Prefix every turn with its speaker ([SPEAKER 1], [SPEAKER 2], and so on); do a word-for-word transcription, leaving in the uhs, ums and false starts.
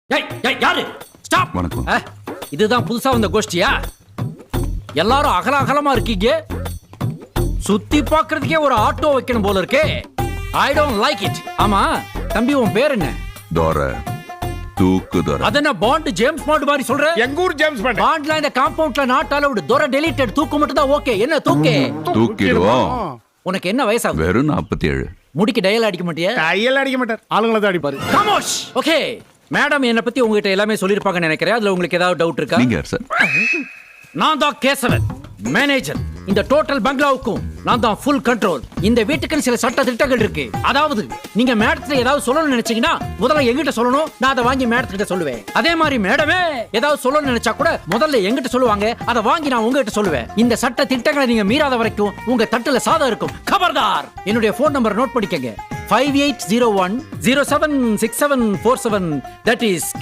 [SPEAKER 1] ஏய் ஏய் யாரு ஸ்டாப்.
[SPEAKER 2] வணக்கம்.
[SPEAKER 1] இதுதான் புதுசா வந்த கோஷ்டியா? எல்லாரும் அகல அகலமா இருக்கீங்க. சுத்தி பார்க்கிறதுக்கே ஒரு ஆட்டோ வைக்கணும் போல இருக்கே. I don't like it. ஆமா தம்பி, உன் பேர் என்ன?
[SPEAKER 2] தோர தூக்கு தோர.
[SPEAKER 1] அதென்ன பாண்ட் ஜேம்ஸ் பாண்ட் மாதிரி சொல்ற?
[SPEAKER 3] எங்க ஊர் ஜேம்ஸ் பாண்ட்.
[SPEAKER 1] பாண்ட்ல இந்த காம்பவுண்ட்ல நாட் அலவுட். தோர டெலீட்டட். தூக்கு மட்டும் தான் ஓகே. என்ன தூக்கு?
[SPEAKER 2] தூக்கிடுவோம்.
[SPEAKER 1] உனக்கு என்ன வயசாகுது?
[SPEAKER 2] வெறும் நாற்பத்தி ஏழு.
[SPEAKER 1] முடிக்கு டயல் அடிக்க மாட்டியா?
[SPEAKER 3] கையெல்லாம் அடிக்க மாட்டார், ஆளுங்களை தான் அடிப்பாரு.
[SPEAKER 1] கமோஷ். ஓகே மேடம், என்ன பத்தி உங்ககிட்ட எல்லாமே சொல்லிருப்பாங்கன்னு நினைக்கிறேன். அதுல உங்களுக்கு ஏதாவது டவுட் இருக்கா?
[SPEAKER 2] நீங்க யார் சார்?
[SPEAKER 1] நான் தான் கேசவன், மேனேஜர். இந்த டோட்டல் பங்களாவுக்கும் நான் தான் ஃபுல் கண்ட்ரோல். இந்த வீட்டுக்கு சில சட்ட திட்டங்கள் இருக்கு. அதாவது நீங்க மேடத்துல ஏதாவது சொல்லணும்னு நினைச்சீங்கன்னா முதல்ல எங்கிட்ட சொல்லணும். நான் அதை வாங்கி மேடத்துக்கிட்ட சொல்லுவேன். அதே மாதிரி மேடமே ஏதாவது சொல்லணும்னு நினைச்சா கூட முதல்ல எங்கிட்ட சொல்லுவாங்க. அதை வாங்கி நான் உங்ககிட்ட சொல்லுவேன். இந்த சட்ட திட்டங்களை நீங்க மீறாத வரைக்கும் உங்க தட்டுல சாதம் இருக்கும். கபர்தார். என்னுடைய போன் நம்பர் நோட் பண்ணிக்கங்க. Five eight zero one zero seven six seven four seven. That is